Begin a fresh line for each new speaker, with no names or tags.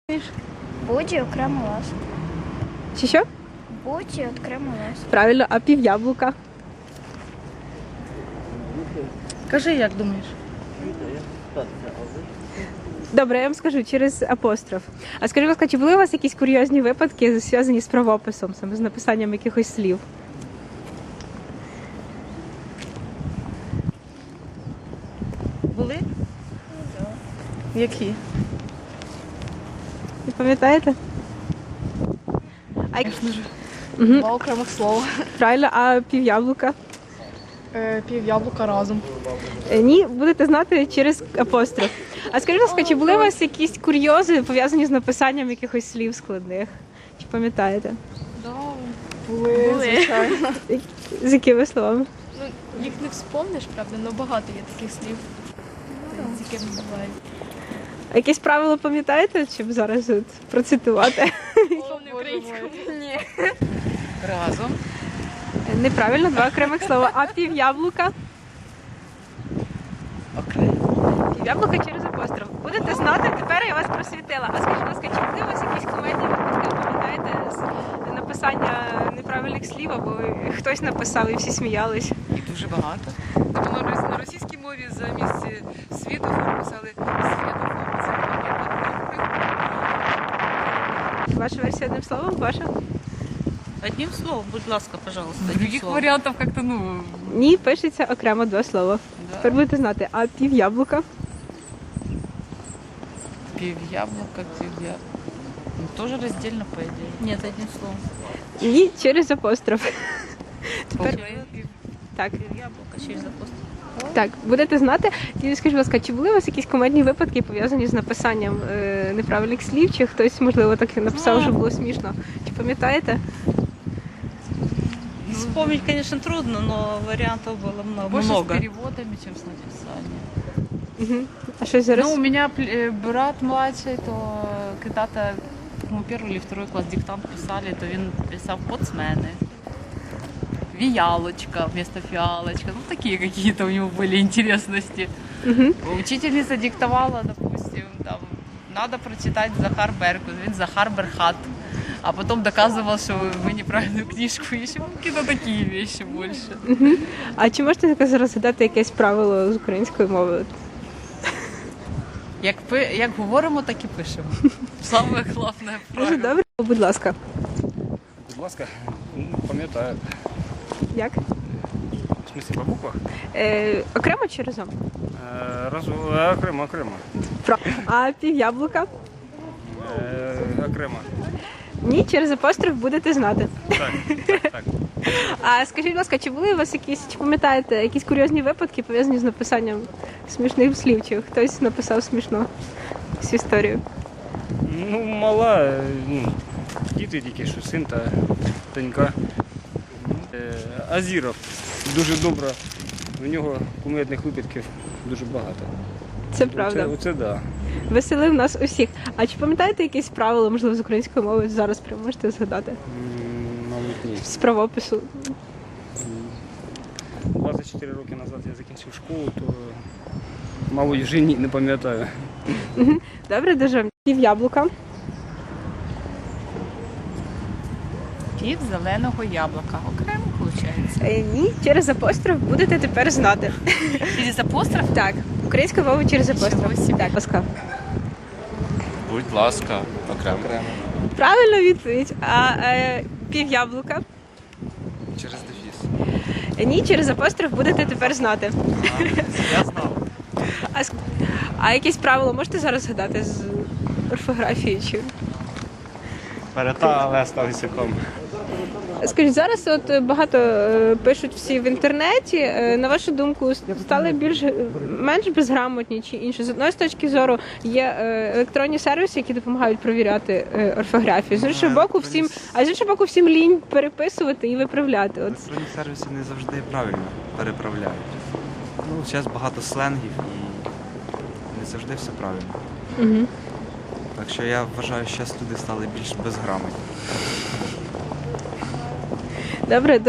Буді окремо лас.
Що?
Буді окремо лас.
Правильно, а пів'яблука?
Кажи, як думаєш?
Добре, я вам скажу через апостроф. А скажіть, будь ласка, чи були у вас якісь курйозні випадки, зв'язані з правописом, саме з написанням якихось слів?
Були? Які?
Ви пам'ятаєте? А,
Два окремих слова.
правильно, а пів'яблука?
Пів яблука разом.
Ні, будете знати через апостроф. А скажіть, будь ласка, чи були у вас якісь курйози, пов'язані з написанням якихось слів складних? Чи пам'ятаєте?
Були, звичайно.
З якими словами?
Ну, їх не вспомниш, правда, але багато є таких слів, з якими буває.
А якесь правило пам'ятаєте, щоб зараз от процитувати?
Повний українською. Ні.
Разом.
Неправильно, два окремих слова. А пів'яблука?
Окремо.
Пів'яблука через апостроф. Будете знати, тепер я вас просвітила. А скажіть, будь ласка, чи були у вас якісь комедні випадки, пам'ятаєте, з написання неправильних слів, або хтось написав і всі сміялись?
І дуже багато. Тобто на російській мові замість світофор писали світофор.
Ваша версія одним словом? Ваша?
Одним словом, будь ласка, пожалуйста. одним
Других
словом.
варіантів як-то, ну...
Ні, пишеться окремо два слова. Тепер будете знати. А пів'яблука?
Пів'яблука, пів'яблука. Ну, тоже раздельно, по идее. Нет, одним словом.
Ні, через апостроф. Тепер так.
Пів'яблука через апостол.
Так, будете знати. І скажіть, будь ласка, чи були у вас якісь комедні випадки, пов'язані з написанням неправильних слів, чи хтось, можливо, так і написав, що було смішно? Чи пам'ятаєте?
Вспомнить, конечно, трудно, но вариантов было
Больше
много.
с переводами, чем с написанием.
Угу. А що зараз?
Ну, у меня брат младший, то когда-то, по-моему, первый или второй класс диктант писали, то він писав «поцмени», «виялочка» вместо «фиалочка». Ну, такие какие-то у него были интересности.
Угу.
Учительница диктовала, допустим, там, надо прочитать Захар Беркут, він Захар Берхат. А потом доказывал, что мы неправильную книжку ищем. Какие-то такие вещи больше.
А чи можете таке зараз згадати якесь правило з української мови?
Як говоримо, так і пишемо. Саме головне
Дуже
правило.
добре. Будь ласка.
Будь ласка, пам'ятаю.
Як?
В смысле, по буквах?
Окремо чи разом?
Окремо, окремо.
А пів'яблука?
Окремо.
Ні, через апостроф будете знати.
Так, так.
А скажіть, будь ласка, чи були у вас якісь, чи пам'ятаєте, якісь курйозні випадки, пов'язані з написанням смішних слів, чи хтось написав смішно цю історію?
Ну, мала, діти тільки, що син та донька. Азіров. Дуже добре. У нього кумедних випадків дуже багато.
Це правда.
Оце да.
Веселив нас усіх. А чи пам'ятаєте якісь правила, можливо, з української мови зараз прямо можете згадати?
Мабуть, ні.
З правопису.
24 роки назад я закінчив школу, то, мабуть, вже ні, не пам'ятаю.
Добре, дуже. Пів'яблука.
Пів зеленого яблука. Окремо, виходить.
Ні, через апостроф будете тепер знати.
Через апостроф?
Так, українська мова через апостроф.
собі.
Так, ласка.
Будь ласка, окремо.
Правильна відповідь. А пів'яблука?
Через дефіс.
Ні, через апостроф будете тепер знати.
Я знав.
А якісь правила можете зараз згадати з орфографії? Чи?
Перета, але став ісяком.
Скажіть, зараз от багато пишуть всі в інтернеті. На вашу думку, стали менш безграмотні чи інше? З одної точки зору є електронні сервіси, які допомагають провіряти орфографію. З іншого боку, всім лінь переписувати і виправляти. От.
Електронні сервіси не завжди правильно переправляють. Ну, зараз багато сленгів і не завжди все правильно.
Угу.
Так що я вважаю, що зараз люди стали більш безграмотні.
Добре,